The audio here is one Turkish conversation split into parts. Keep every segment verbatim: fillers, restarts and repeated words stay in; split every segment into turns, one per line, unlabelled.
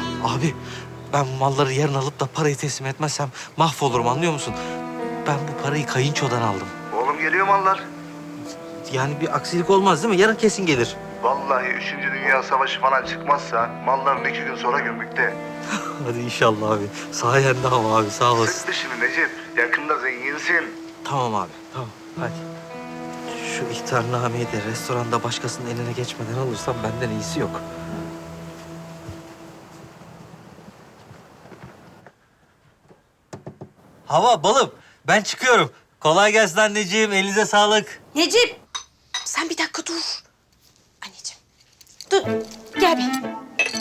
Abi ben malları yarın alıp da parayı teslim etmezsem mahvolurum, anlıyor musun? Ben bu parayı kayınçodan aldım.
Oğlum geliyor mallar.
Yani bir aksilik olmaz değil mi? Yarın kesin gelir.
Vallahi Üçüncü Dünya Savaşı falan çıkmazsa malların iki gün sonra gümrükte.
Hadi inşallah abi. Sayende ama abi, sağ olasın.
Sıktı şimdi Necip. Yakında zenginsin.
Tamam abi, tamam. Hadi. Şu ihtarnameyi de restoranda başkasının eline geçmeden alırsam benden iyisi yok. Hava, balım. Ben çıkıyorum. Kolay gelsin anneciğim. Elinize sağlık.
Necip, sen bir dakika dur. Anneciğim, dur. Gel bir. Gel.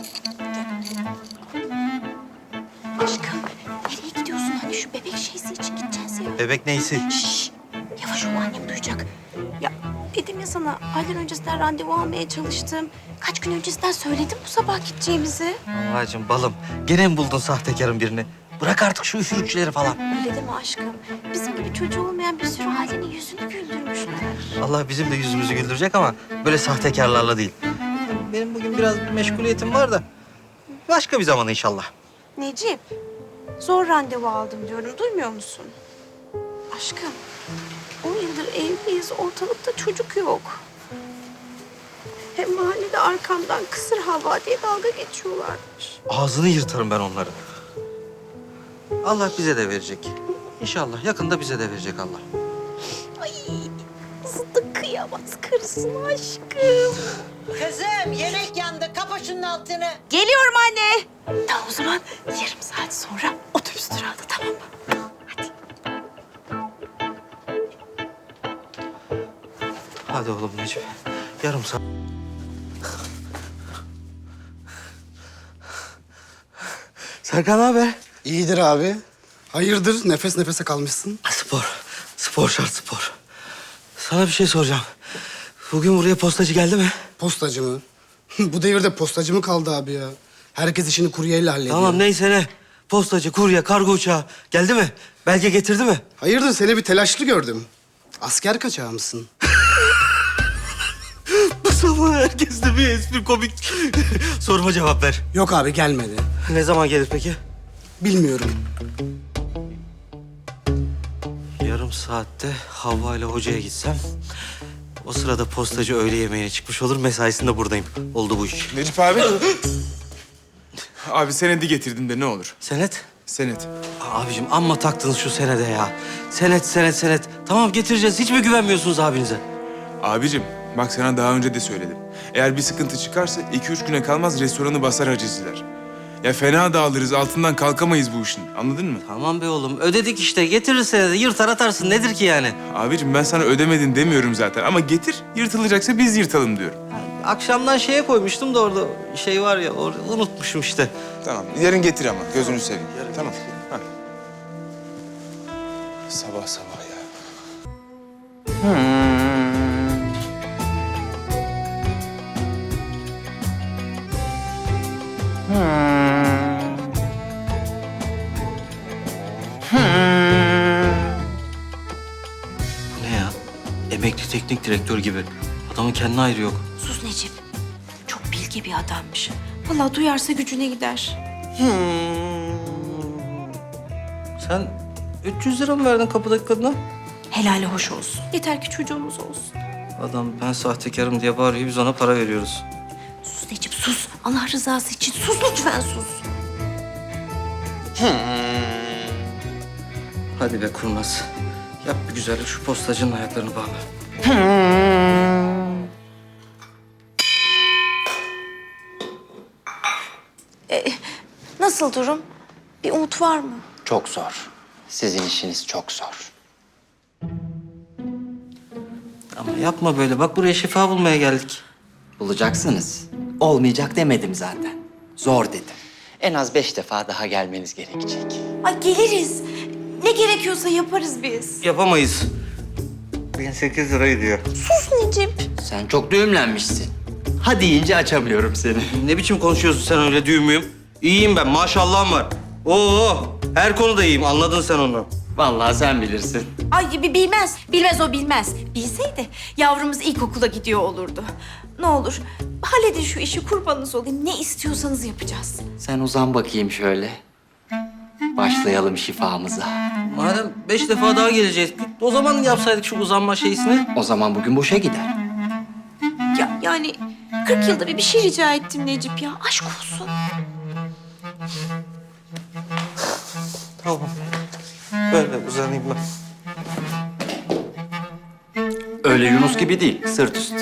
Aşkım, nereye gidiyorsun? Hani şu bebek şeysi için gideceğiz ya.
Bebek neysi?
Şşş, yavaş ol, annem duyacak. Ya dedim ya sana, aylar öncesinden randevu almaya çalıştım. Kaç gün öncesinden söyledim bu sabah gideceğimizi.
Babacığım, balım. Gene mi buldun sahtekarın birini? Bırak artık şu üfürükçüleri falan.
Öyle deme aşkım. Bizim gibi çocuğu olmayan bir sürü ailenin yüzünü güldürmüşler.
Allah bizim de yüzümüzü güldürecek ama böyle sahtekarlarla değil. Benim bugün biraz bir meşguliyetim var da. Başka bir zaman inşallah.
Necip, zor randevu aldım diyorum. Duymuyor musun? Aşkım, on yıldır evliyiz. Ortalıkta çocuk yok. Hem mahallede arkamdan kısır hava diye dalga geçiyorlarmış.
Ağzını yırtarım ben onları. Allah bize de verecek. İnşallah yakında bize de verecek Allah.
Ay, nasıl da kıyamaz karısına aşkım.
Kızım yemek yandı. Kapa şunun altını.
Geliyorum anne. Tamam o zaman yarım saat sonra otobüs durağında, tamam mı? Hadi.
Hadi oğlum Necip. Yarım saat. Serkan haber?
İyidir abi. Hayırdır? Nefes nefese kalmışsın.
Spor. Spor şart, spor. Sana bir şey soracağım. Bugün buraya postacı geldi mi?
Postacı mı? Bu devirde postacı mı kaldı abi ya? Herkes işini kuryeyle hallediyor.
Tamam neyse ne. Postacı, kurye, kargo uçağı geldi mi? Belge getirdi mi?
Hayırdır? Seni bir telaşlı gördüm. Asker kaçağı mısın?
Bu sabah herkeste bir espri komik. Soruma cevap ver.
Yok abi gelmedi.
Ne zaman gelir peki?
Bilmiyorum.
Yarım saatte Havva ile hocaya gitsem... o sırada postacı öğle yemeğine çıkmış olur, mesaisinde buradayım. Oldu bu iş.
Necip abi. Abi senedi getirdim de ne olur.
Senet?
Senet.
Abicim amma taktınız şu senede ya. Senet, senet, senet. Tamam getireceğiz. Hiç mi güvenmiyorsunuz abinize?
Abicim bak sana daha önce de söyledim. Eğer bir sıkıntı çıkarsa iki üç güne kalmaz restoranı basar hacizler. Ya fena dağılırız, altından kalkamayız bu işin. Anladın mı?
Tamam be oğlum. Ödedik işte. Getirir senede. Yırtar atarsın. Nedir ki yani?
Abicim ben sana ödemedin demiyorum zaten. Ama getir, yırtılacaksa biz yırtalım diyorum.
Akşamdan şeye koymuştum da orada şey var ya, orada unutmuşum işte.
Tamam, yarın getir ama. Gözünü seveyim. Tamam. Ha. Sabah sabah ya.
Bu ne ya? Emekli teknik direktör gibi. Adamın kendine ayrı yok.
Sus Necip. Çok bilge bir adammış. Vallahi duyarsa gücüne gider.
Sen üç yüz lira mı verdin kapıdaki kadına?
Helali hoş olsun. Yeter ki çocuğumuz olsun.
Adam ben sahtekarım diye bağırıyor. Biz ona para veriyoruz.
Sus Necip sus. Allah rızası için sus lütfen sus.
Hadi be kurnaz. Yap bir güzellik, şu postacının ayaklarını bağla.
Nasıl durum? Bir umut var mı?
Çok zor. Sizin işiniz çok zor.
Ama yapma böyle. Bak buraya şifa bulmaya geldik.
Bulacaksınız. Olmayacak demedim zaten. Zor dedim. En az beş defa daha gelmeniz gerekecek.
Ay geliriz. Ne gerekiyorsa yaparız biz.
Yapamayız. bin sekiz lira ediyor.
Sus Necip.
Sen çok düğümlenmişsin. Ha deyince açamıyorum seni.
Ne biçim konuşuyorsun sen öyle, düğün müyüm? İyiyim ben, maşallahım var. Oo, her konuda iyiyim, anladın sen onu.
Vallahi sen bilirsin.
Ay bi- bilmez. Bilmez o bilmez. Bilseydi yavrumuz ilkokula gidiyor olurdu. Ne olur halledin şu işi, kurbanınız olayım. Ne istiyorsanız yapacağız.
Sen uzan bakayım şöyle. Başlayalım şifamıza.
Madem beş defa daha geleceğiz, o zaman yapsaydık şu uzanma şeysini.
O zaman bugün boşa gider.
Ya yani kırk yılda bir bir şey rica ettim Necip ya. Aşk olsun.
Tamam. Böyle uzanayım ben.
Öyle Yunus gibi değil, sırt üstü.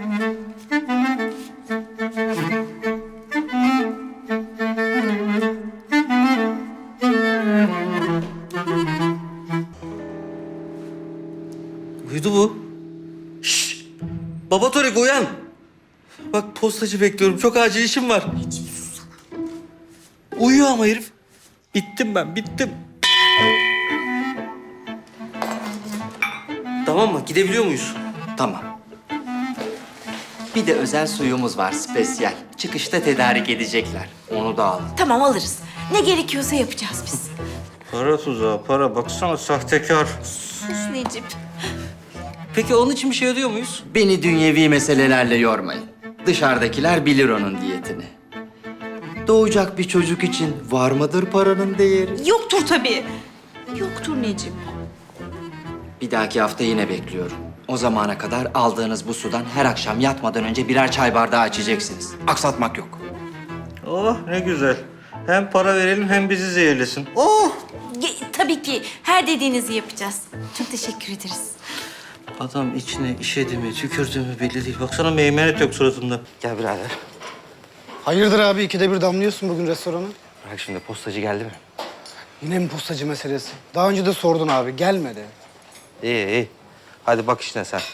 Uyudu bu. Şşş! Baba Torik uyan. Bak postacı bekliyorum. Çok acil işim var. Uyuyor ama herif. Bittim ben, bittim. Tamam mı? Gidebiliyor muyuz?
Tamam. Bir de özel suyumuz var, spesyal. Çıkışta tedarik edecekler. Onu da al.
Tamam alırız. Ne gerekiyorsa yapacağız biz.
Para tuzağı, para. Baksana sahtekar.
Sus Necip.
Peki onun için bir şey ödüyor muyuz?
Beni dünyevi meselelerle yormayın. Dışarıdakiler bilir onun diyetini. Doğacak bir çocuk için var mıdır paranın değeri?
Yoktur tabii. Yoktur Necip.
Bir dahaki hafta yine bekliyorum. O zamana kadar aldığınız bu sudan her akşam yatmadan önce birer çay bardağı içeceksiniz. Aksatmak yok.
Oh ne güzel. Hem para verelim hem bizi zehirlesin. Oh!
Ge- tabii ki her dediğinizi yapacağız. Çok teşekkür ederiz.
Adam içine işedi mi, tükürdü mü belli değil. Baksana meymenet yok suratında. Gel birader.
Hayırdır abi ikide bir damlıyorsun bugün restorana?
Bak şimdi postacı geldi mi?
Yine mi postacı meselesi? Daha önce de sordun abi gelmedi.
İyi iyi. Hadi bak işine sen.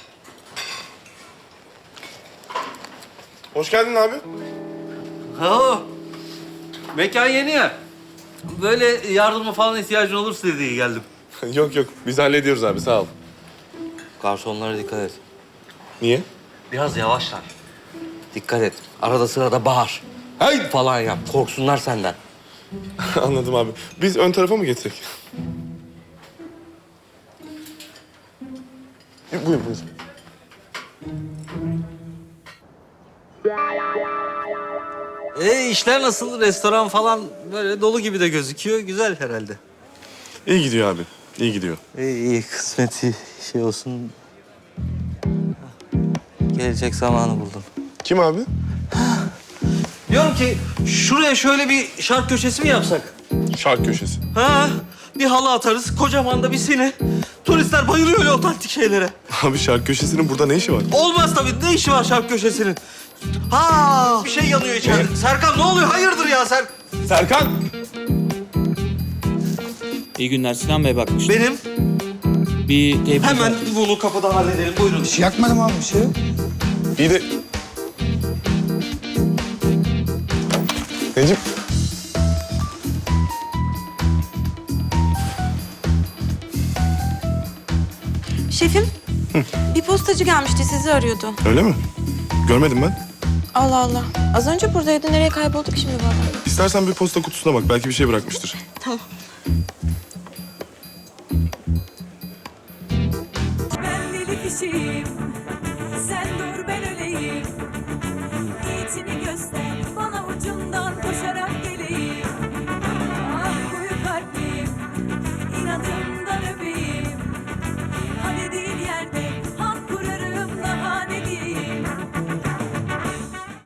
Hoş geldin abi.
Oo. Mekan yeni ya. Böyle yardıma falan ihtiyacın olursa diye geldim.
yok yok, biz hallediyoruz abi, sağ ol.
Garsonlara dikkat et.
Niye?
Biraz yavaşlar. Dikkat et. Arada sırada bağır.
Hey!
Falan yap. Korksunlar senden.
Anladım abi. Biz ön tarafa mı geçsek? E, buyur, buyur.
E işler nasıl? Restoran falan böyle dolu gibi de gözüküyor. Güzel herhalde.
İyi gidiyor abi, iyi gidiyor.
İyi, iyi kısmeti şey olsun. Gelecek zamanı buldum.
Kim abi?
Diyorum ki şuraya şöyle bir şark köşesi mi yapsak?
Şark köşesi.
Ha? Bir halı atarız, kocaman da bir sine. Turistler bayılıyor öyle otantik şeylere.
Abi şark köşesinin burada ne işi var?
Olmaz tabii. Ne işi var şark köşesinin? Ha, bir şey yanıyor içeride. Serkan ne oluyor? Hayırdır ya Ser?
Serkan!
İyi günler. Sinan Bey bakmış.
Benim.
Bir tebrik
Hemen bunu kapıda halledelim. Buyurun.
Bir şey yakmadım abi bir şey. yok.
İyi de... Necip,
Şefim, bir postacı gelmişti, sizi arıyordu.
öyle mi? Görmedim ben.
Allah Allah. Az önce buradaydı. Nereye kaybolduk şimdi baba?
İstersen bir posta kutusuna bak, belki bir şey bırakmıştır.
Ben deli kişiyim, sen dur ben öleyim. Niyetini göster.